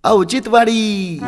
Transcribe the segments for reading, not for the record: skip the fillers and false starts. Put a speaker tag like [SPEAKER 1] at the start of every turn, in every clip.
[SPEAKER 1] औचित्यवाडी.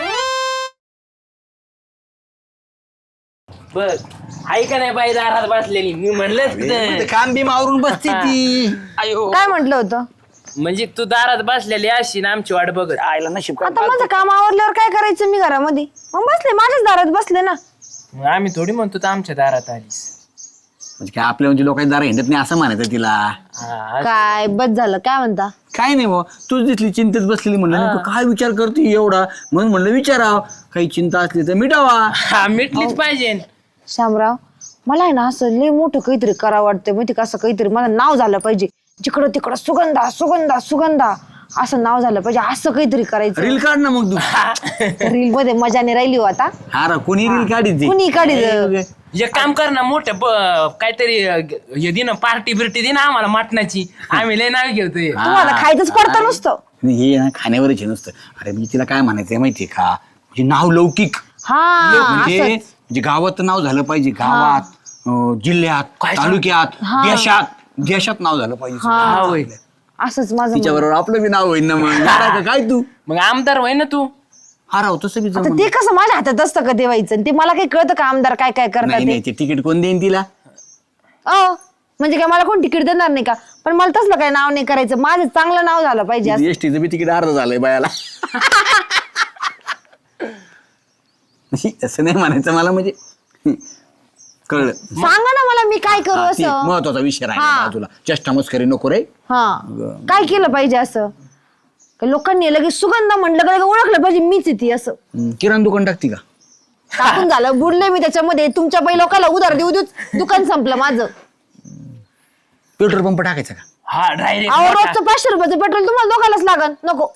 [SPEAKER 2] बघ ऐका नाही बाई दारात बसलेली मी म्हणलं
[SPEAKER 3] काम बी मारून बसती ती. अयो
[SPEAKER 4] काय म्हटलं होतं?
[SPEAKER 2] म्हणजे तू दारात बसलेली अशी ना आमची वाट बघत
[SPEAKER 3] आयला नशीब
[SPEAKER 4] आता माझं काम आवरल्यावर काय करायचं मी घरामध्ये? मग बसले माझ्याच दारात बसले ना.
[SPEAKER 2] मग आम्ही थोडी म्हणतो तर आमच्या दारात आलीस.
[SPEAKER 3] म्हणजे काय आपल्या म्हणजे लोकांच्या दारा हिंडत नाही असं म्हणायचं तिला.
[SPEAKER 2] हा,
[SPEAKER 4] काय बस झालं काय म्हणता?
[SPEAKER 3] काय नाही भाऊ तूच दिसली चिंतेत बसलेली म्हणलं नेमकं काय विचार करते एवढा म्हणून म्हणलं विचाराव काही चिंता असली तर मिटावा.
[SPEAKER 2] हा मिटलीच पाहिजे.
[SPEAKER 4] शामराव मला आहे ना असं लय मोठं काहीतरी करावं वाटतं माहिती का? असं काहीतरी मला नाव झालं पाहिजे. जिकडं तिकडं सुगंधा सुगंधा सुगंधा असं नाव झालं पाहिजे. असं काहीतरी करायचं.
[SPEAKER 3] रील काढ ना मग तू.
[SPEAKER 4] रील मध्ये मजाने राहिली हो आता.
[SPEAKER 3] हा रा कोणी रील काढी
[SPEAKER 4] कुणी काढी
[SPEAKER 2] एक काम कर ना मोठं काहीतरी हे दे ना पार्टी बिर्टी दे ना आम्हाला मटणाची. आम्ही लय नाव घेतोय.
[SPEAKER 4] तुम्हाला खायचंच पडतं नुसतं.
[SPEAKER 3] हे ना खाण्यावरच नसतं. अरे मी तिला काय म्हणायचंय माहितीये का म्हणजे नाव लौकिक
[SPEAKER 4] हा
[SPEAKER 3] म्हणजे
[SPEAKER 4] असंच.
[SPEAKER 3] म्हणजे गावात नाव झालं पाहिजे. गावात जिल्ह्यात तालुक्यात देशात नाव झालं पाहिजे.
[SPEAKER 4] असंच माझं
[SPEAKER 3] तिच्या बरोबर आपलं बी नाव होईल ना मग. नाराज काय तू
[SPEAKER 2] मग आमदार होय ना तू.
[SPEAKER 3] हा राव तसं बी
[SPEAKER 4] आता
[SPEAKER 3] जमलं.
[SPEAKER 4] ते कसं माझ्या हातात असतं का देवायचं? ते मला काही कळतं का आमदार काय काय करतात
[SPEAKER 3] नाही
[SPEAKER 4] ते?
[SPEAKER 3] नाही ते तिकीट कोण देईन तिला.
[SPEAKER 4] म्हणजे काय मला कोण तिकीट देणार नाही का? पण मला तसलं काय नाव नाही करायचं. माझं चांगलं नाव झालं पाहिजे असं.
[SPEAKER 3] एसटीचं बी तिकीट अर्ध झालंय बायाला. असं नाही म्हणायचं मला म्हणजे कळलं.
[SPEAKER 4] सांगा ना मला मी काय करू
[SPEAKER 3] हा, ती
[SPEAKER 4] असं.
[SPEAKER 3] महत्वाचा विषय राहिला तुला. चेष्टा मस्करी नको रे.
[SPEAKER 4] हा काय केलं पाहिजे असं? का लोकांनी लगेच सुगंध म्हणलं का लगेच ओळखलं पाहिजे मीच आहे ती असं.
[SPEAKER 3] किराणा दुकान टाकती का?
[SPEAKER 4] टाकून झालं बुडले मी त्याच्यामध्ये. तुमच्या पै लोकांना उधार देऊ देऊ दुकान संपलं माझं.
[SPEAKER 3] पेट्रोल पंप टाकायचा का?
[SPEAKER 2] हा
[SPEAKER 4] अहो
[SPEAKER 2] डायरेक्ट
[SPEAKER 4] रोजचं 500 रुपयाचं पेट्रोल तुम्हाला दोघालाच लागन. नको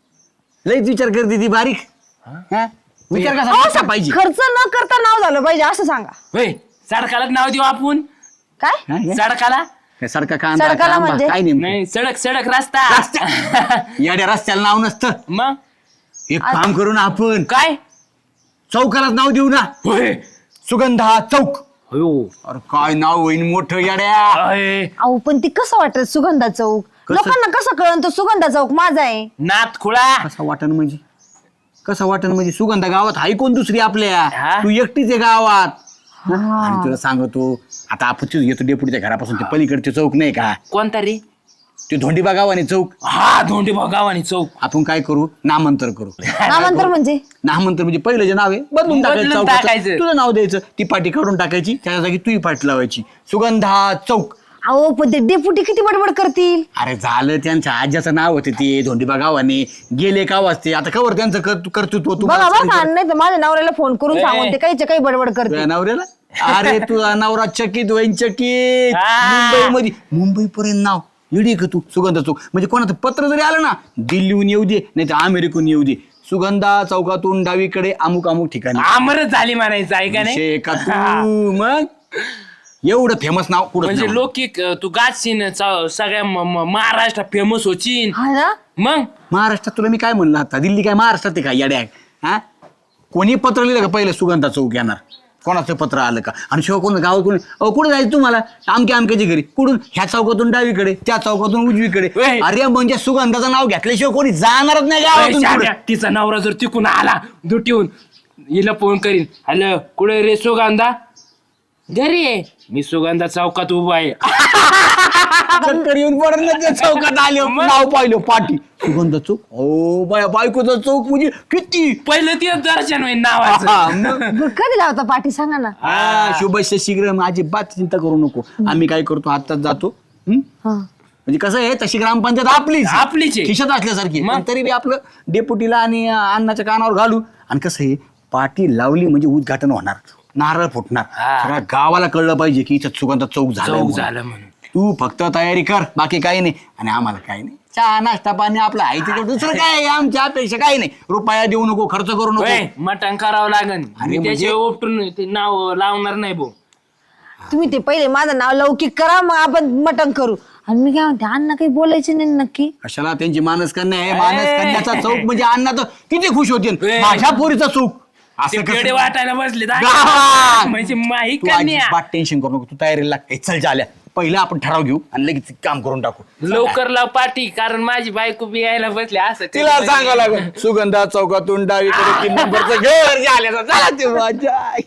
[SPEAKER 3] लईच विचार करते ती बारीक. हा? विचार
[SPEAKER 4] अहो,
[SPEAKER 3] कसा पाहिजे
[SPEAKER 4] खर्च न करता नाव झालं पाहिजे असं सांगा.
[SPEAKER 2] होय सडकालाच नाव देऊ आपण.
[SPEAKER 4] काय
[SPEAKER 3] हा, हे?
[SPEAKER 2] सडकाला
[SPEAKER 3] काय सारखा कांदा
[SPEAKER 4] सडकाला
[SPEAKER 3] कांबा,
[SPEAKER 4] म्हणजे?
[SPEAKER 3] काय नेमकं?
[SPEAKER 2] नाही सडक सडक रस्ता.
[SPEAKER 3] याड्या रस्त्याला नाव नसतं.
[SPEAKER 2] मग
[SPEAKER 3] एक काम करू ना आपण
[SPEAKER 2] काय
[SPEAKER 3] चौकालाच नाव देऊ ना.
[SPEAKER 2] होय
[SPEAKER 3] सुगंधा चौक.
[SPEAKER 2] हो
[SPEAKER 3] अरे काय नाव होईन मोठं याड्या.
[SPEAKER 2] अय,
[SPEAKER 4] अहो पण ती कसं वाटत सुगंधा चौक?
[SPEAKER 3] कसं?
[SPEAKER 4] लोकांना कसं कळन तो सुगंधा चौक माझा आहे?
[SPEAKER 2] नाथ खुळा.
[SPEAKER 3] कसा वाटण म्हणजे कसं वाटण म्हणजे सुगंधा गावात हाय कोण दुसरी आपल्या.
[SPEAKER 2] हा?
[SPEAKER 3] तू एकटीच आहे गावात. आणि तुला सांगतो आता आपण तिथं येतो डेपुटीच्या घरापासून ते पलीकडचे चौक नाही का
[SPEAKER 2] कोणता रे?
[SPEAKER 3] ते धोंडीबा गावाने चौक.
[SPEAKER 2] हा धोंडी गावानी चौक.
[SPEAKER 3] आपण काय करू नामांतर करू.
[SPEAKER 4] नामांतर म्हणजे?
[SPEAKER 3] नामांतर म्हणजे पहिलं जे नाव आहे बदलून
[SPEAKER 2] बदलून
[SPEAKER 3] टाकायचं.
[SPEAKER 2] टाकायचं.
[SPEAKER 3] तुझं नाव द्यायचं ती पाठी काढून टाकायची त्या जागी तुही पाठी लावायची सुगंधा चौक.
[SPEAKER 4] अहो पण ते डेपुटी किती बडबड करतील.
[SPEAKER 3] अरे झालं त्यांच्या आज्याचं नाव होते ते धोंडीबा गावाने गेले का वाजते आता कवर त्यांचं कर्तृत्व
[SPEAKER 4] बघा बघा नाही तर माझ्या नवऱ्याला फोन करून सांगून ते काहीच्या काही बडबड करते.
[SPEAKER 3] तुझ्या नवऱ्याला अरे तुझा नवरा चकित होईन चकित.
[SPEAKER 2] हा.
[SPEAKER 3] मुंबई पर्यंत नाव येडी का तू सुगंधा चौक म्हणजे कोणाचं पत्र जरी आलं ना दिल्लीहून येऊ दे नाही तर अमेरिकून येऊ दे सुगंधा चौकातून डावीकडे अमुक अमुक ठिकाणी.
[SPEAKER 2] आमरच झाली म्हणायचं ऐका नाही.
[SPEAKER 3] विषय का तू मग एवढं फेमस नाव कुठं
[SPEAKER 2] म्हणजे लौकिक तू गाचशीन सगळ्या महाराष्ट्रात फेमस होचीन.
[SPEAKER 4] हा ना
[SPEAKER 2] मग
[SPEAKER 3] महाराष्ट्रात तुला मी काय म्हणलं आता दिल्ली काय महाराष्ट्रात आहे का येड्या हा कोणी पत्र लिहिलं का पहिलं सुगंधा चौक येणार कोणाचं पत्र आलं का आणि शिवाय कोण गावात कोणी कुठं जायचं तुम्हाला आमच्या आमक्याच्या घरी कुठून ह्या चौकातून डावीकडे त्या चौकातून उजवीकडे.
[SPEAKER 2] ओय.
[SPEAKER 3] अरे म्हणजे सुगंधाचं नाव घेतल्याशिवाय कोणी जाणारच नाही गावातून पुढं.
[SPEAKER 2] तिचा नवरा जर तिकून आला दुटीहून हिला फोन करीन हॅलो कुठे रे सुगंधा घरी आहे मी सुगंधा चौकात उभा आहे.
[SPEAKER 3] चक्कर येऊन पडत ना त्या चौकात आले नाव पाहिलं पाठी सुगंधा चौक. हो बाया बायकोचा चौक म्हणजे किती
[SPEAKER 2] पहिलं ते दर्शन होईल नावाचं.
[SPEAKER 3] हा, मग.
[SPEAKER 4] बरं, कधी लावता पाठी सांगा ना.
[SPEAKER 3] शुभस्य शीघ्र माझी बात चिंता करू नको आम्ही काय करतो आत्ताच जातो
[SPEAKER 4] हा.
[SPEAKER 3] म्हणजे कसं आहे तशी ग्रामपंचायत आपलीच
[SPEAKER 2] आपलीच आहे.
[SPEAKER 3] खिशात असल्यासारखी
[SPEAKER 2] मग?
[SPEAKER 3] पण तरी बी आपलं डेपुटीला आणि अण्णाच्या कानावर घालू आणि कसं आहे पाटी लावली म्हणजे उद्घाटन होणार नारळ फुटणार
[SPEAKER 2] हा.
[SPEAKER 3] सगळ्या गावाला कळलं पाहिजे की इथं सुगंधा चौक झाला
[SPEAKER 2] चौक झालं म्हणून.
[SPEAKER 3] तू फक्त तयारी कर बाकी काही नाही आणि आम्हाला काही नाही चहा नाश्ता पाणी आपलं आहे तिथं दुसरं काय आहे आमच्या अपेक्षा काही नाही रुपया देऊ नको खर्च करू नको.
[SPEAKER 2] होय, मटण करावं लागन
[SPEAKER 3] अरे
[SPEAKER 2] मी
[SPEAKER 3] म्हणजे-
[SPEAKER 2] त्याशिवाय उपटून ते नाव लावणार नाही भाऊ.
[SPEAKER 4] तुम्ही ते पहिले माझं नाव लौकिक करा मग आपण मटण करू. आणि मी काय म्हणते अण्णा काही बोलायचे नाही नक्की?
[SPEAKER 3] कशाला त्यांची मानसकन्या आहे मानसकन्याचा चौक म्हणजे अण्णा तर किती खुश होते माझ्या पोरीचा चौक
[SPEAKER 2] ते
[SPEAKER 3] असं
[SPEAKER 2] पेढे
[SPEAKER 3] कसं
[SPEAKER 2] वाटायला बसले
[SPEAKER 3] गावात.
[SPEAKER 2] म्हणजे माही
[SPEAKER 3] तू
[SPEAKER 2] कन्या
[SPEAKER 3] अजिबात टेन्शन करू नको तू तयारीला लाग ए, चल झाल्या पहिलं आपण ठराव घेऊ आणि लगेच काम करून टाकू.
[SPEAKER 2] लवकर लाव पाठी, कारण माझी बायको बी यायला बसली असं
[SPEAKER 3] तिला सांगावं लागेल सुगंधा चौकातून डावीकडे 3 नंबरचं घर झालं. चला ते माझ्या आई.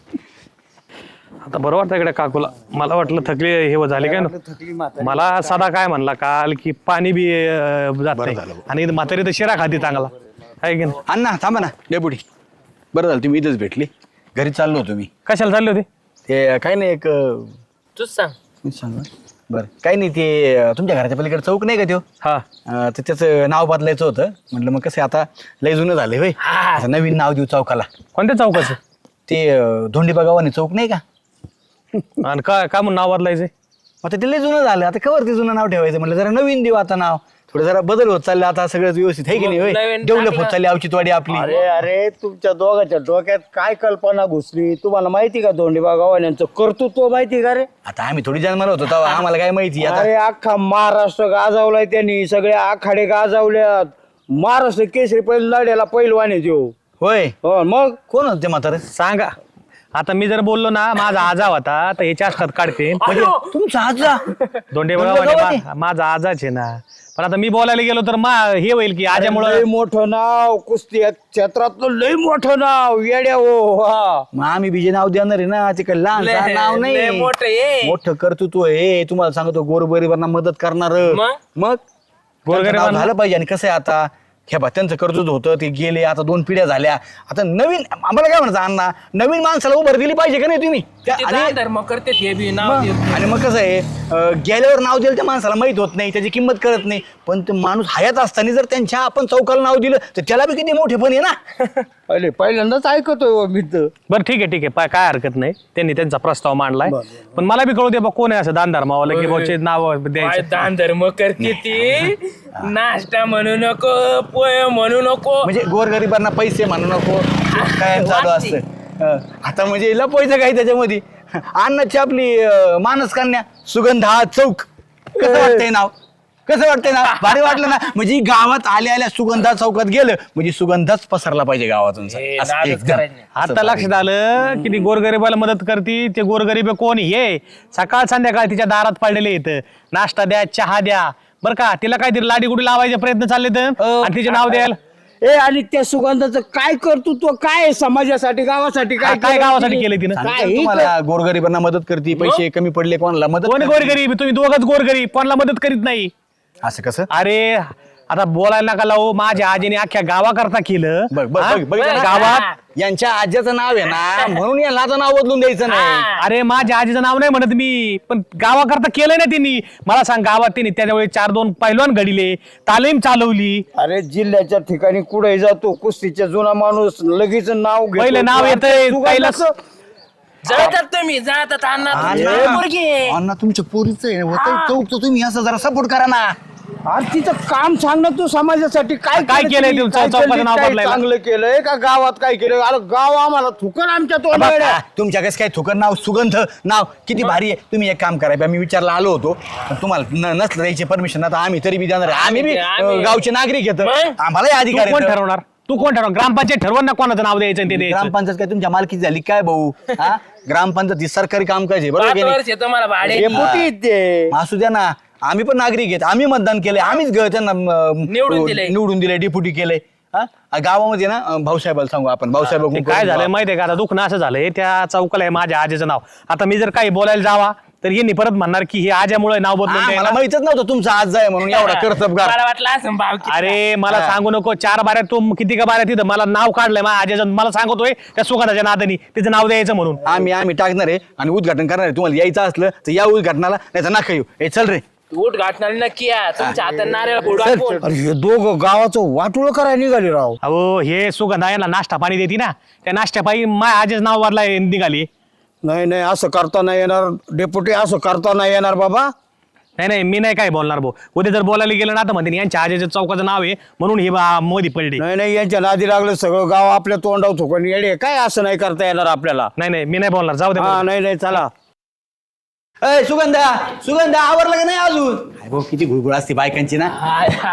[SPEAKER 1] आता बरं वाटतं इकडे काकूला. मला वाटलं थकली हे झाले काय ना. मला साधा काय म्हणला काल की पाणी बी जात नाही आणि म्हातारी तर शिरा खाती चांगला आहे की नाही.
[SPEAKER 3] अण्णा थांबा ना डेपुटी. बरं झालं तुम्ही इथंच भेटली. घरी चाललो होतो मी.
[SPEAKER 1] कशाला चालली होती.
[SPEAKER 3] ते काय नाही एक
[SPEAKER 2] तूच सांग.
[SPEAKER 3] मी सांगा बरं काही नाही ते तुमच्या घराच्या पलीकडे चौक नाही का त्यो
[SPEAKER 1] हा
[SPEAKER 3] तर त्याचं नाव बदलायचं होतं. म्हटलं मग कसं आता लय जुनं झालंय होय. आता नवीन नाव देऊ चौकाला.
[SPEAKER 1] कोणत्या चौकाचं.
[SPEAKER 3] ते धोंडीबा गावाने चौक नाही का.
[SPEAKER 1] आणि काय काय म्हणून नाव बदलायचंय.
[SPEAKER 3] आता ते लय जुनं झालं. आता कवर ते जुनं नाव ठेवायचं म्हटलं जरा नवीन देऊ आता नाव. थोडं जरा बदल होत चाललं आता सगळंच व्यवस्थित आहे की नाही होय.
[SPEAKER 2] नवीन
[SPEAKER 3] डेव्हलप होत
[SPEAKER 2] टाकलं.
[SPEAKER 3] चालली औचित्यवाडी आपली.
[SPEAKER 5] अरे अरे तुमच्या दोघांच्या डोक्यात काय कल्पना घुसली तुम्हाला माहिती का धोंडीबा गावाल्यांचं कर्तृत्व माहिती का रे.
[SPEAKER 3] आता आम्ही थोडी जन्माला होतो तेव्हा आम्हाला काय माहिती आता.
[SPEAKER 5] अरे अख्खा महाराष्ट्र गाजवलाय त्यांनी सगळे आखाडे गाजवल्यात. महाराष्ट्र केसरी पहिला लढ्याला पैलवान आहे त्यो.
[SPEAKER 3] होय
[SPEAKER 5] हो मग
[SPEAKER 3] कोण होते म्हातारे.
[SPEAKER 1] सांगा आता मी जर बोललो ना माझा आजा होता तर ह्याच्या असतात काढते
[SPEAKER 3] म्हणजे तुमचा आजा
[SPEAKER 1] दोंडे
[SPEAKER 3] गावाने?
[SPEAKER 1] माझा आजाच आहे ना. पण आता मी बोलायला गेलो तर हे होईल की
[SPEAKER 5] लय
[SPEAKER 1] आजामुळं
[SPEAKER 5] मोठं नाव कुस्ती क्षेत्रातलं लय मोठं नाव येड्या हो. हा
[SPEAKER 3] मग आम्ही बीजे नाव देणार आहे ना. ते काही लहान
[SPEAKER 2] लय-
[SPEAKER 3] नाव
[SPEAKER 2] लय
[SPEAKER 3] नाही.
[SPEAKER 2] मोठं आहे.
[SPEAKER 3] मोठं कर्तृत्व आहे. तुम्हाला सांगतो गोरगरिबांना मदत करणार.
[SPEAKER 2] मग?
[SPEAKER 3] मग
[SPEAKER 1] गोरगरिबांना-
[SPEAKER 3] झालं पाहिजे. आणि कसं आहे आता हे बा त्यांचं कर्तृत्व होतं ते गेले. आता 2 पिढ्या झाल्या. आता नवीन आम्हाला काय म्हणायचं अण्णा नवीन माणसाला उभर दिली पाहिजे का नाही तुम्ही
[SPEAKER 2] किती
[SPEAKER 3] आणि
[SPEAKER 2] दान धर्म करते हे बी नाव
[SPEAKER 3] मग-
[SPEAKER 2] देत.
[SPEAKER 3] आणि मग कसं आहे गेल्यावर नाव दिलं त्या माणसाला माहित होत नाही. त्याची किंमत कळत नाही. पण ते माणूस हयात असताना जर त्यांच्या आपण चौकाला नाव दिलं तर त्याला बी किती मोठे पण आहे ना.
[SPEAKER 5] पहिले पहिल्यांदाच ऐकतोय हो मी तर.
[SPEAKER 1] बरं ठीक आहे काय हरकत नाही. त्यांनी त्यांचा प्रस्ताव मांडलाय पण मला बी कळू दे बा कोण आहे असं दान धर्मावाला की बाचे नाव
[SPEAKER 2] काय
[SPEAKER 1] द्यायचं.
[SPEAKER 2] दान धर्म करते ती. नाश्ता म्हणू नको, पोहे म्हणू नको.
[SPEAKER 3] म्हणजे गोरगरिबांना पैसे म्हणू नको काय चालू असतं. आता म्हणजे लपवायचं काही त्याच्यामध्ये. अन्नाची आपली मानस कन्या सुगंधा चौक कसं वाटतंय नाव. कसं वाटतंय ना भारी वाटलं ना. म्हणजे गावात आल्या सुगंधा चौकात गेलं म्हणजे सुगंधाच पसरला पाहिजे गावातून.
[SPEAKER 2] हे
[SPEAKER 3] असं
[SPEAKER 2] नादच
[SPEAKER 3] एकदम.
[SPEAKER 2] करायचं नाही.
[SPEAKER 1] आता लक्षात आलं की ती गोरगरिबाला मदत करती. ते गोरगरीब कोण हे सकाळ संध्याकाळ तिच्या दारात पडलेले येतं. नाश्ता द्या चहा द्या बरं का. तिला काहीतरी लाडी गुडी लावायचे प्रयत्न चालले तर आणि तिचे नाव द्यायला
[SPEAKER 5] ए आणि त्या सुगंधाचं काय कर्तृत्व काय आहे समाजासाठी गावासाठी
[SPEAKER 1] काय
[SPEAKER 5] केलं
[SPEAKER 1] गावासाठी
[SPEAKER 5] तिने?
[SPEAKER 1] केलं तिनं.
[SPEAKER 3] सांगतो
[SPEAKER 5] काही
[SPEAKER 3] तुम्हाला गोरगरिबांना मदत करते. पैसे कमी पडले कोणाला मदत
[SPEAKER 1] कोणी
[SPEAKER 3] करते.
[SPEAKER 1] गोरगरीब तुम्ही दोघच गोरगरीब कोणाला मदत करीत नाही.
[SPEAKER 3] असं कसं
[SPEAKER 1] अरे आता बोलायला नका लावू. माझ्या आजीने अख्ख्या गावाकरता केलं.
[SPEAKER 3] बघ बघ
[SPEAKER 1] हा?
[SPEAKER 3] बघ बघ ना.
[SPEAKER 1] गावात
[SPEAKER 3] यांच्या आज्याचं नाव आहे ना म्हणून या लाचं नाव बदलून द्यायचं नाही.
[SPEAKER 1] अरे माझ्या आजीचं नाव नाही म्हणत मी पण गावाकरता केलंय ना त्यांनी. मला सांग गावात त्यांनी त्याच्यावेळी 4-2 पैलवान घडिले तालीम चालवली.
[SPEAKER 5] अरे जिल्ह्याच्या ठिकाणी कुठे जातो कुस्तीचा जुना माणूस लगेच नाव घेतो.
[SPEAKER 1] पहिलं नाव येतंय,
[SPEAKER 5] सुगंधाचं-
[SPEAKER 2] जळतात तुम्ही जातात अण्णा तुमची
[SPEAKER 3] अण्णा,
[SPEAKER 2] पोरगी आहे.
[SPEAKER 3] अण्णा तुमच्या पोरीचं आहे होतं चौक तर तुम्ही असं जरा सपोर्ट करा ना.
[SPEAKER 5] अरे तिचं काम सांग ना तू समाजासाठी काय
[SPEAKER 1] काय केलंय
[SPEAKER 5] तिने?
[SPEAKER 1] तुमचं
[SPEAKER 5] काय
[SPEAKER 1] चौकाचं
[SPEAKER 5] केलंय?
[SPEAKER 1] नाव
[SPEAKER 5] काय
[SPEAKER 1] बदलायला?
[SPEAKER 5] चांगलं केलंय का गावात काय केलं. अरे गाव आम्हाला थुकर आमच्या तोंडाकडे.
[SPEAKER 3] तुमच्या कसं काय थुकर नाव सुगंध नाव किती भारी आहे. तुम्ही एक काम करा मी विचारला आलो होतो पण तुम्हाला नसलं द्यायची परमिशन आता आम्ही तरी बी देणार आहे. आम्ही बी गावचे नागरिक येतो
[SPEAKER 2] मग?
[SPEAKER 3] आम्हाला
[SPEAKER 1] तू
[SPEAKER 3] अधिकार
[SPEAKER 1] कोण
[SPEAKER 3] आहेत.
[SPEAKER 1] ठरवणार. तू कोण ठरवणार. ग्रामपंचायत ठरवून ना कोणाचं नाव द्यायचं आणि ते द्यायचं.
[SPEAKER 3] ग्रामपंचायत काय तुमच्या मालकीची झाली काय भाऊ. हा ग्रामपंचायत ही सरकारी काम करायचे बरोबर
[SPEAKER 2] 5
[SPEAKER 3] की नाही?
[SPEAKER 2] वर्ष आहे तुम्हाला भाडे.
[SPEAKER 5] डेपुटी आहेत ते.
[SPEAKER 3] असू द्या ना. आम्ही पण नागरिक आहेत. आम्ही मतदान केलंय. आम्हीच त्यांना निवडून दिले डेप्युटी केले. गावामध्ये ना भाऊसाहेबाला सांगू आपण भाऊसाहेब
[SPEAKER 1] ते काय झालंय माहितीये का आता दुखणं असं झालंय त्या चौकाला आहे माझ्या आजीचं नाव. आता मी जर काही बोलायला जावा तर यांनी परत म्हणणार की हे आज्यामुळे नाव बदलून
[SPEAKER 3] मला
[SPEAKER 1] द्यायला.
[SPEAKER 3] माहितच नव्हतं तुमचा आज आहे म्हणून एवढा कर्तबगार.
[SPEAKER 2] मला वाटलं असं भाव किती.
[SPEAKER 1] अरे मला सांगू नको 4 बाऱ्यात तू किती का बाऱ्यात तिथं मला नाव काढलंय माझ्या आज्याचं. मला सांगतोय त्या सुगंधाच्या नादानी तिचं नाव द्यायचं म्हणून.
[SPEAKER 3] आम्ही टाकणार आहे आणि उद्घाटन करणार आहे. तुम्हाला यायचं असलं तर या उद्घाटनाला नाही तर नका येऊ. ए चल रे.
[SPEAKER 2] उठ गाठणार नक्की या. तुमच्या हातात नारळ फोडू आपण.
[SPEAKER 5] अरे हे दोघं गावाचं वाटोळ करायला निघाले राव.
[SPEAKER 1] अहो हे सुगंधा यांना नाश्ता पाणी देते ना त्या नाश्ता पायी माझ्या आजीचं नाव वरला निघाली.
[SPEAKER 5] नाही नाही असं करता नाही येणार डेपुटी. असं करता नाही येणार बाबा.
[SPEAKER 1] नाही मी नाही काय बोलणार भाऊ. उद्या जर बोलायला गेलं ना तर म्हणते यांच्या आजीचं चौकाचं नाव आहे म्हणून हे मोदी पडले.
[SPEAKER 5] नाही यांच्या नादी लागलं सगळं गाव आपल्या तोंडावर थुकून येडे. काय असं नाही करता येणार आपल्याला.
[SPEAKER 1] नाही मी नाही बोलणार. जाऊ दे
[SPEAKER 5] हा नाही चला.
[SPEAKER 3] अय सुगंधा आवरलं का नाही अजून. भाऊ किती घुळघुळ असते बायकांची ना.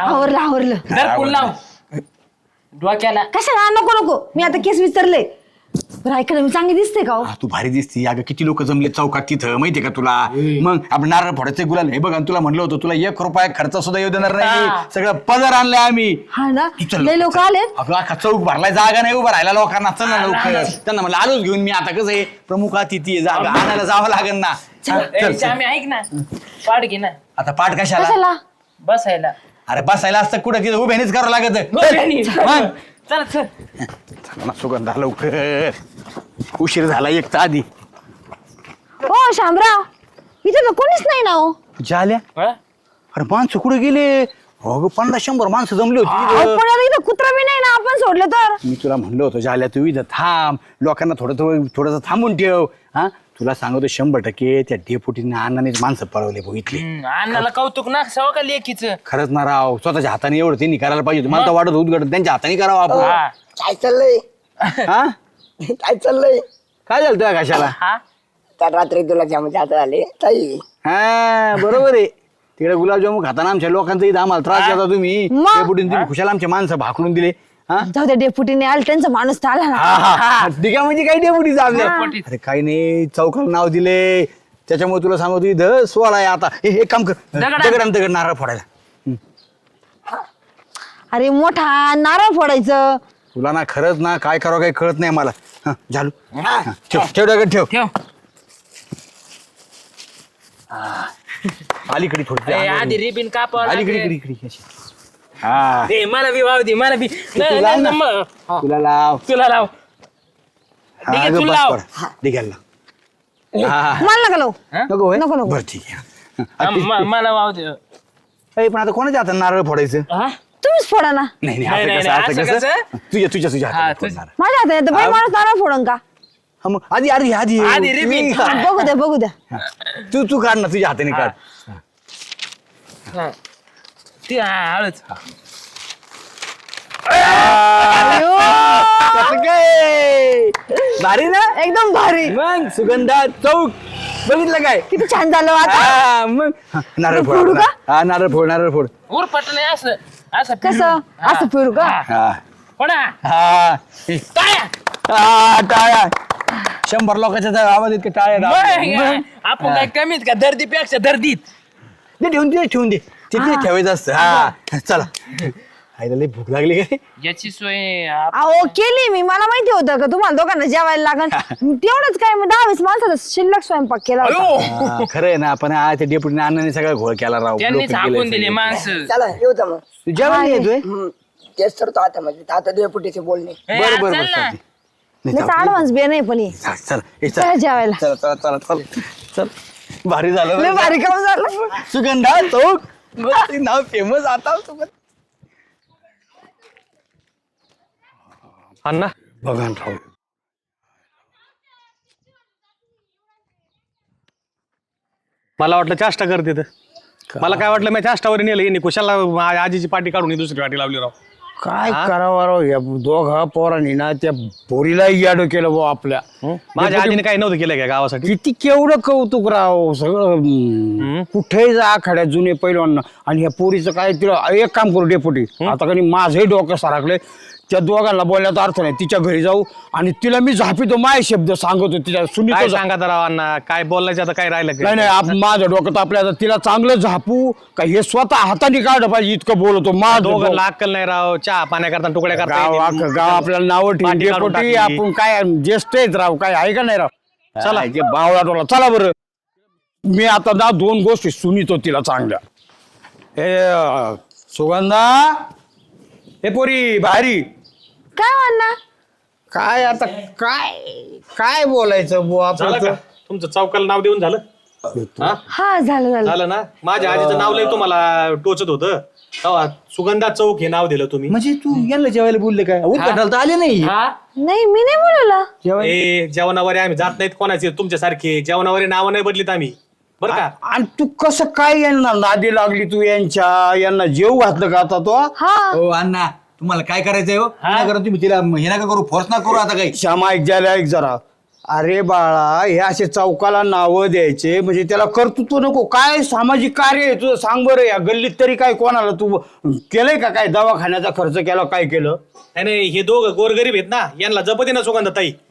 [SPEAKER 4] आवरलं
[SPEAKER 2] धर पुल लाव डोक्याला.
[SPEAKER 4] कशाला नको नको मी आता केस विचारले. बरं ऐका ना, मी चांगली दिसते का हो?
[SPEAKER 3] तू भारी दिसती अगं, किती लोक जमले चौकात तिथं माहितीये का तुला? मग आपण नारळ फोडायचे गुलाल हे बघ, आणि तुला म्हणलं होतं तुला 1 रुपया खर्च सुद्धा येऊ देणार नाही, सगळं पदर आणलंय आम्ही.
[SPEAKER 4] हा ना,
[SPEAKER 3] तू चल
[SPEAKER 4] लय
[SPEAKER 3] लवकर,
[SPEAKER 4] लोक
[SPEAKER 3] चल.
[SPEAKER 4] आले.
[SPEAKER 3] अगं अख्खा चौक भरलाय, जागा नाही उभं राहायला लोकांना. चल ना लवकर. त्यांना म्हणलं आलोच घेऊन मी, आता कसं आहे प्रमुख अतिथी आहे, जागा आणायला जावं लागेल ना. हा, चल, चल.
[SPEAKER 2] आम्ही ऐक ना, पाठ घे ना
[SPEAKER 3] आता पाठ कशाला?
[SPEAKER 4] कशाला?
[SPEAKER 2] बसायला.
[SPEAKER 3] अरे बसायला असतं कुठं, तिथं उभ्यानेच करावं लागत. मग
[SPEAKER 2] चल चल.
[SPEAKER 3] चला ना सुगंधा लवकर, उशीर झाला एक तर आधी.
[SPEAKER 4] हो शामराव, इथे तर कोणीच नाही ना हो.
[SPEAKER 3] झाल्या अरे माणसं कुठे गेले? हो 50-100 माणसं जमली होती
[SPEAKER 4] अहो,
[SPEAKER 3] इथं.
[SPEAKER 4] पण आता इथं कुत्रा बी नाही ना, आपण सोडलं तर.
[SPEAKER 3] मी तुला म्हणलं होतं झाल्या तू इथं थांब, लोकांना थोडंसं थांबून ठेव. हा तुला सांगतो 100% त्या डेपुटीने अण्णानेच माणसं पळवले भाऊ इथले.
[SPEAKER 2] अण्णाला कौतुक ना सवा का लेकीचं.
[SPEAKER 3] खरंच ना राव, स्वतःच्या हाताने एवढं त्यांनी करायला पाहिजे होतं. मला तर वाटत उद्घाटन त्यांच्या हाताने करावं आपण.
[SPEAKER 2] हा.
[SPEAKER 6] काय चाललंय
[SPEAKER 3] हा
[SPEAKER 6] काय चाललंय?
[SPEAKER 3] काय झालं तुझ्या कशाला?
[SPEAKER 2] हा
[SPEAKER 6] तर रात्री तुला जाम जात आले ताई.
[SPEAKER 3] हा बरोबर आहे. तिकडे गुलाबजामुन खाताना आमच्या लोकांचा इथं आम्हाला त्रास देता तुम्ही.
[SPEAKER 4] मग?
[SPEAKER 3] डेपुटीने तुम्ही खुशाला आमचे माणसं भाकलून दिले. हा
[SPEAKER 4] जाऊ द्या, डेपुटीने आले, त्यांचा माणूस तर आला ना.
[SPEAKER 3] हा ठीक आहे, म्हणजे काही डेपुटीचं आपल्या.
[SPEAKER 2] डेपुटी.
[SPEAKER 3] अरे काही नाही, चौकाला नाव दिले त्याच्यामुळे तुला सांगतो इथं 16 आहे आता. हे काम कर, दगड नारळ फोडायला.
[SPEAKER 4] अरे मोठा नारळ फोडायचं.
[SPEAKER 3] तुला ना खरंच ना काय करावं काही कळत नाही मला. हा, झालू हा, ठेव ठेव दगड ठेव.
[SPEAKER 2] ठेव.
[SPEAKER 3] अलीकडे थोडी
[SPEAKER 2] ए, आधी रिबिन कापावं
[SPEAKER 3] अलीकडे
[SPEAKER 2] लागेल.
[SPEAKER 3] इकडे इकडे अशी. हा
[SPEAKER 2] ए, मला बी वाव दे, मला बी. नाही,
[SPEAKER 3] लाव
[SPEAKER 2] नाही,
[SPEAKER 3] ना.
[SPEAKER 2] मग. हा,
[SPEAKER 3] तुला लाव.
[SPEAKER 2] तुला लाव.
[SPEAKER 3] हा,
[SPEAKER 2] ठीक आहे,
[SPEAKER 3] अगं,
[SPEAKER 2] तू
[SPEAKER 3] बस
[SPEAKER 2] लाव.
[SPEAKER 3] पड. डिग्याला लाव. हा,
[SPEAKER 4] मला नका लावू.
[SPEAKER 3] नको होय?
[SPEAKER 4] नको, नको.
[SPEAKER 3] बरं ठीक आहे.
[SPEAKER 2] हा, मला वाव दे.
[SPEAKER 3] ए, पण आता कोणाच्या हातात नारळ फोडायचं?
[SPEAKER 2] हा?
[SPEAKER 4] तुम्हीच फोडा ना.
[SPEAKER 3] नाही
[SPEAKER 2] नाही,
[SPEAKER 3] नाही
[SPEAKER 2] नाही,
[SPEAKER 3] असं
[SPEAKER 2] असं
[SPEAKER 3] कसं? तुझ्या
[SPEAKER 2] हा,
[SPEAKER 3] हातात
[SPEAKER 2] तुझ्या.
[SPEAKER 3] फोडणार.
[SPEAKER 4] माझ्या हातात येतं बाई, माणूस नारळ फोडून का?
[SPEAKER 3] हा मग आधी आधी आधी
[SPEAKER 2] आधी रिबीन.
[SPEAKER 3] हा.
[SPEAKER 4] बघू द्या, बघू द्या.
[SPEAKER 3] तू काढ ना तुझ्या हाताने काढ.
[SPEAKER 2] हा. ती हळूच.
[SPEAKER 4] अयो,
[SPEAKER 3] कसं काय भारी ना
[SPEAKER 4] एकदम भारी.
[SPEAKER 3] मग सुगंधा चौक बघितलं काय?
[SPEAKER 4] किती छान झालं आता.
[SPEAKER 3] हा, मग नारळ फोड
[SPEAKER 4] फोडू
[SPEAKER 3] आपला.
[SPEAKER 4] का?
[SPEAKER 3] हा नारळ फोड.
[SPEAKER 2] उरपट नाही असं असं
[SPEAKER 4] कसं? असं फिरू का?
[SPEAKER 3] हा
[SPEAKER 2] कोणा
[SPEAKER 3] हा
[SPEAKER 2] टाळ्या.
[SPEAKER 3] हा, टाळ्या 100 लोकांच्या जवळ आवाज इतके टाळ्या दाबल्या.
[SPEAKER 2] मग, आपण काय कमीत का दर्दीपेक्षा दर्दीत.
[SPEAKER 3] ते ठेवून दे तिथे ठेवायचं असतं. हा चला आईला लई भूक लागली काय?
[SPEAKER 2] याची सोय
[SPEAKER 4] अहो केली मी, मला माहिती होतं का तुम्हाला दोघांना जेवायला लागन. तेवढंच काय, मग 10-20 माणसाचा शिल्लक स्वयंपाक केला होता.
[SPEAKER 3] हा, खरं आहे ना, पण ते डेपुटीने अण्णाने सगळा घोळ केला राव.
[SPEAKER 2] त्यांनी
[SPEAKER 3] लोकं
[SPEAKER 2] झाकून
[SPEAKER 3] गेले
[SPEAKER 2] दिले
[SPEAKER 3] सगळे.
[SPEAKER 2] माणसं.
[SPEAKER 6] चला येऊ जा मग.
[SPEAKER 3] तू जेवण नाही येतोय?
[SPEAKER 6] तेच तर तो आता म्हणजे आता देवपुटीचे बोलणे.
[SPEAKER 2] ए,
[SPEAKER 3] बरं बरं
[SPEAKER 2] चल
[SPEAKER 3] बरं
[SPEAKER 2] ना.
[SPEAKER 3] चालतंय. नाही,
[SPEAKER 4] त्याचा ॲडव्हान्स बे नाही पण हे.
[SPEAKER 3] चल ए,
[SPEAKER 4] चला जेवायला.
[SPEAKER 3] चल भारी झालं
[SPEAKER 4] लय
[SPEAKER 3] बरं.
[SPEAKER 4] भारी काम झालं.
[SPEAKER 3] सुगंधा चौक मस्त नाव फेमस आता सुगंध.
[SPEAKER 1] अण्णा
[SPEAKER 3] बघा राव
[SPEAKER 1] मला वाटलं चाष्टा करते तर. मला काय वाटलं मी चाष्टावर नेलं यांनी कुशाला माझ्या आजीची पाठी काढून ही दुसरी पाठी लावली राव.
[SPEAKER 5] काय करावं राव या दोघा पोरांनी ना त्या पोरीला याडो केलं भाऊ आपल्या.
[SPEAKER 1] माझ्या आजीने काही नव्हतं केलं का गावासाठी?
[SPEAKER 5] किती केवढं कौतुक राव सगळं. कुठेही जा आखाड्या जुने पैलवान. आणि ह्या पोरीचं काय, तिला एक काम करू डेपुटी, आता कधी माझंही डोकं सारखले. त्या दोघांना बोलण्याचा अर्थ नाही. तिच्या घरी जाऊ आणि तिला मी झापितो, माय शब्द सांगतो तिच्या
[SPEAKER 1] काय
[SPEAKER 5] सुनीतो.
[SPEAKER 1] सांगा राव अण्णा, काय बोलायचं आता काय राहिलं
[SPEAKER 5] नाही नाही माझं डोकं तर आपल्या तिला चांगलं झापू का हे स्वतः हाताने काढलं पाहिजे इतकं बोलतो. माझं
[SPEAKER 1] दोघांना अक्कल नाही राव, चहा पाण्या करता तुकड्या
[SPEAKER 5] गाव
[SPEAKER 1] करता.
[SPEAKER 5] गाव आपल्याला नावं ठेवून
[SPEAKER 1] पाठी काढून
[SPEAKER 5] डेपुटी
[SPEAKER 1] टाकली.
[SPEAKER 5] आपण काय ज्येष्ठ आहेत राव, काय आहे का नाही राव.
[SPEAKER 3] चला.
[SPEAKER 5] बावळा टोला चला बरं. मी आता ना 2 गोष्टी सुनितो तिला चांगल्या. हे सुगंधा, हे पोरी भारी.
[SPEAKER 4] काय म्हणणार?
[SPEAKER 5] काय आता काय काय बोलायचं बुवा
[SPEAKER 1] झालं
[SPEAKER 5] आपलं.
[SPEAKER 1] का? तुमचं चौकाला नाव देऊन झालं? हा?
[SPEAKER 4] हा झालं झालं.
[SPEAKER 1] झालं ना. माझ्या आजीचं नाव लय तुम्हाला टोचत होतं तेव्हा सुगंधा चौक हे नाव दिलं तुम्ही.
[SPEAKER 3] म्हणजे तू यांना जेवायला बोलले काय? उद्घाटनाला तर आले नाही.
[SPEAKER 2] हा?
[SPEAKER 4] नाही मी नाही बोलवलं.
[SPEAKER 1] ए जेवणावर आम्ही जात नाहीत कोणाचे तुमच्यासारखे. जेवणावर नावं नाही बदलीत आम्ही बरं का.
[SPEAKER 5] आणि तू कसं काय यांना नादी लागली तू यांना जेव घातलं का आता तो?
[SPEAKER 4] हा
[SPEAKER 3] हो अण्णा तुम्हाला काय करायचंय हो? करा तुम्ही तिला हे नका करू, फोर्स ना करू आता काही.
[SPEAKER 5] श्यामा ऐक ज्याला ऐक जरा. अरे बाळा, हे असे चौकाला नावं द्यायचे म्हणजे त्याला कर्तृत्व नको. काय सामाजिक कार्य आहे तुझं सांग बरं. या गल्लीत तरी काय कोणाला तू केलंय का? काय दवाखान्याचा खर्च केला, काय केलं?
[SPEAKER 1] नाही नाही, हे दोघं गोरगरीब आहेत ना, यांना जपते ना सुगंधा ताई.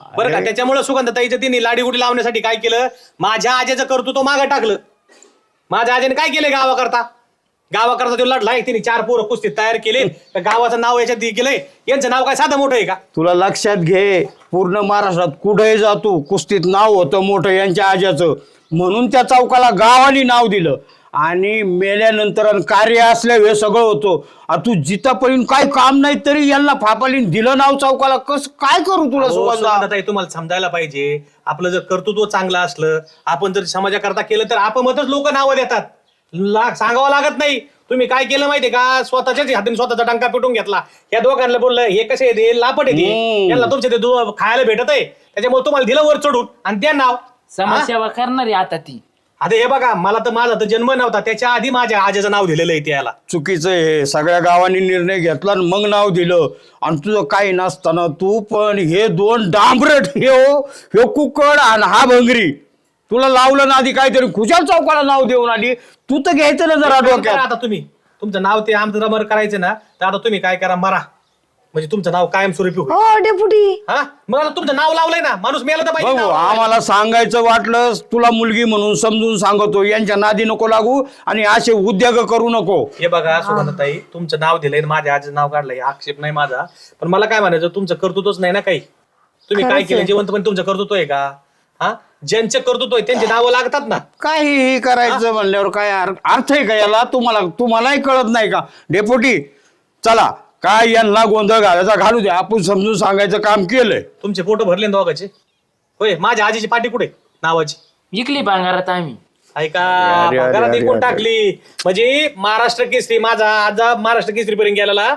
[SPEAKER 1] बरं का. त्याच्यामुळे सुगंधताईच्या तिने लाडीगुडी लावण्यासाठी काय केलं, माझ्या आजेचं कर्तृत्व मागं टाकलं. माझ्या आजीने काय केलं गावाकरता तो लढलाय, तिने 4 पोरं कुस्तीत तयार केले. तर गावाचं नाव याच्यात केलंय. यांचं नाव काय साधं मोठं आहे का?
[SPEAKER 5] तुला लक्षात घे, पूर्ण महाराष्ट्रात कुठेही जातो कुस्तीत नाव होतं मोठं यांच्या आज्याचं, म्हणून त्या चौकाला गावाने नाव दिलं. आणि मेल्यानंतर आणि कार्य असल्यावर हे सगळं होतं. तू जिथपर्यंत काय काम नाही तरी यांना फापालीन दिलं नाव चौकाला. कसं काय करू तुला सुगंधा?
[SPEAKER 1] सुगंधाताई, तुम्हाला समजायला पाहिजे, आपलं जर कर्तृत्व चांगलं असलं, आपण जर समाजाकरता केलं तर आपणच लोक नावं देतात. सांगावं लागत नाही. तुम्ही काय केलं माहितीये का, स्वतःच्याच हाताने स्वतःचा टंका पिटून घेतला. या दोघांना बोललं हे कसे येते, लापट येते, यांना तुमच्या ते खायला भेटत आहे, त्याच्यामुळे तुम्हाला दिलं वर चढून आणि त्या नाव.
[SPEAKER 2] समाजसेवा करणारी आता ती.
[SPEAKER 1] आता हे बघा, माझा तर जन्म नव्हता, त्याच्या आधी माझ्या आजीचं नाव दिलेलं आहे त्याला.
[SPEAKER 5] चुकीचं आहे. सगळ्या गावांनी निर्णय घेतला आणि मग नाव दिलं. आणि तुझं काही नसताना तू पण हे 2 डांबरट, हे कुकड आणि हा भंगरी, तुला लावलं ना आधी काहीतरी खुशाल चौकाला नाव देऊन आली. तू तर घ्यायचं ना जरा डोक्यात.
[SPEAKER 1] आता तुम्ही तुमचं नाव ते आमचं रबर करायचं ना, तर आता तुम्ही काय करा, मरा, म्हणजे तुमचं नाव कायमस्वरूपी होईल.
[SPEAKER 4] हो डेपुटी.
[SPEAKER 1] हा, मग आता तुमचं नाव लावलंय ना, माणूस मेला तर पाहिजे
[SPEAKER 5] बघू,
[SPEAKER 1] नाव.
[SPEAKER 5] आम्हाला सांगायचं वाटलं तुला मुलगी म्हणून समजून सांगतो. यांच्या नादी नको लागू आणि असे उद्योग करू नको.
[SPEAKER 1] हे बघा सुगंधताई, तुमचं नाव दिलंय, माझ्या आजीचं नाव काढलंय, आक्षेप नाही माझा, पण मला काय म्हणायचं, तुमचं कर्तृत्वच नाही ना काही. तुम्ही काय केलं, जिवंतपणे तुमचं कर्तृत्व आहे का? हा, ज्यांचे कर्तृत्व आहे त्यांची नावं लागतात ना.
[SPEAKER 5] काहीही करायचं म्हणल्यावर काय अर्थ आहे का याला? तुम्हालाही कळत नाही का? डेपुटी चला, काय यांना गोंधळ घालायचा घालू दे, आपण समजून सांगायचं काम केलंय.
[SPEAKER 1] तुमचे फोटो भरले ना दोघांचे? होय, माझ्या आजीची पाठी कुठे नावाची?
[SPEAKER 2] विकली भांगारात आम्ही.
[SPEAKER 1] ऐका,
[SPEAKER 5] अरे, अरे,
[SPEAKER 1] घरात
[SPEAKER 5] अरे,
[SPEAKER 1] विकून
[SPEAKER 5] अरे.
[SPEAKER 1] टाकली, म्हणजे महाराष्ट्र केसरी, माझा आजा महाराष्ट्र केसरी पर्यंत गेलेला.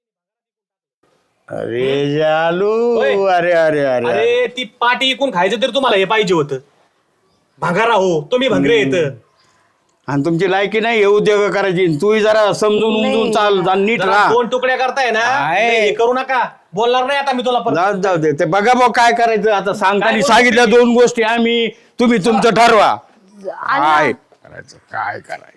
[SPEAKER 5] अरे जालू,
[SPEAKER 1] होय.
[SPEAKER 5] अरे अरे अरे
[SPEAKER 1] अरे ती पाठी इकून खायचं तरी तुम्हाला हे पाहिजे होतं. भंगारा हो, तुम्ही भंगरे येत.
[SPEAKER 5] आणि तुमची लायकी नाही हे उद्योग करायची. तूही जरा समजून उमजून चाल आणि नीट राहा.
[SPEAKER 1] 2 तुकड्या करताय ना,
[SPEAKER 5] आहे.
[SPEAKER 1] हे करू नका. बोलणार नाही आता मी तुला परत.
[SPEAKER 5] जाऊ दे, ते बघा भाऊ काय करायचं आता. सांगताना सांगितल्या 2 गोष्टी आम्ही, तुम्ही तुमचं ठरवा काय करायचं, काय करायचं.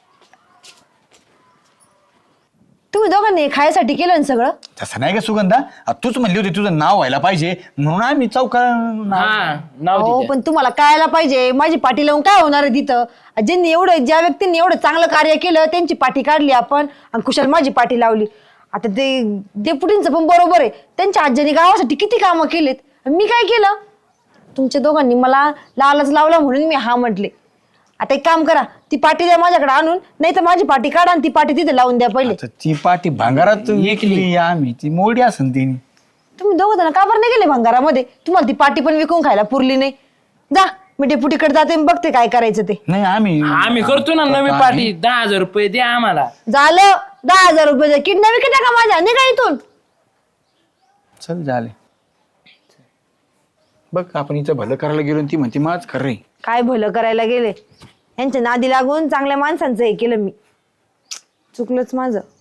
[SPEAKER 4] तुम्ही दोघांनी खायसाठी केलं ना सगळं?
[SPEAKER 3] तसं नाही का सुगंधा, तूच म्हणली होती तुझं नाव व्हायला पाहिजे म्हणून आम्ही चौकाला
[SPEAKER 2] हा, नाव
[SPEAKER 4] हो
[SPEAKER 2] दिलं.
[SPEAKER 4] पण तुम्हाला कळायला पाहिजे, माझी पाठी लावून काय होणार आहे तिथं? ज्या व्यक्तींनी एवढं चांगलं कार्य केलं त्यांची पाठी काढली आपण आणि कुशाल माझी पाठी लावली. आता ते डेपुटींचं पण बरोबर आहे, त्यांच्या आज्याने गावासाठी किती कामं केलेत, मी काय केलं? तुमच्या दोघांनी मला लालच लावला म्हणून मी हा म्हटले. आता एक काम करा, ती पाठी द्या माझ्याकडे आणून, नाही तर माझी पाठी काढा आणि ती पाठी तिथे लावून द्या पहिले.
[SPEAKER 3] ती पाठी भांगारात विकली आम्ही, ती मोडी असन तिने.
[SPEAKER 4] तुम्ही दोघं जण का बरं नाही गेले भंगारामध्ये? तुम्हाला ती पाठी पण विकून खायला पुरली नाही. जा, मी डेपुटीकडे जाते आणि बघते काय करायचं ते.
[SPEAKER 3] नाही
[SPEAKER 2] आम्ही करतो ना नवी पाठी. 10,000 रुपये द्या आम्हाला.
[SPEAKER 4] झालं, 10,000 रुपये किडनॅप विकत टाका माझ्या, निघा इथून.
[SPEAKER 3] चल झाले बघ, आपण इथं भलं करायला गेलो आणि ती म्हणते माझ खरं रे.
[SPEAKER 4] काय भलं करायला गेले, यांच्या नादी लागून चांगल्या माणसांचं हे केलं मी. चुकलंच माझं.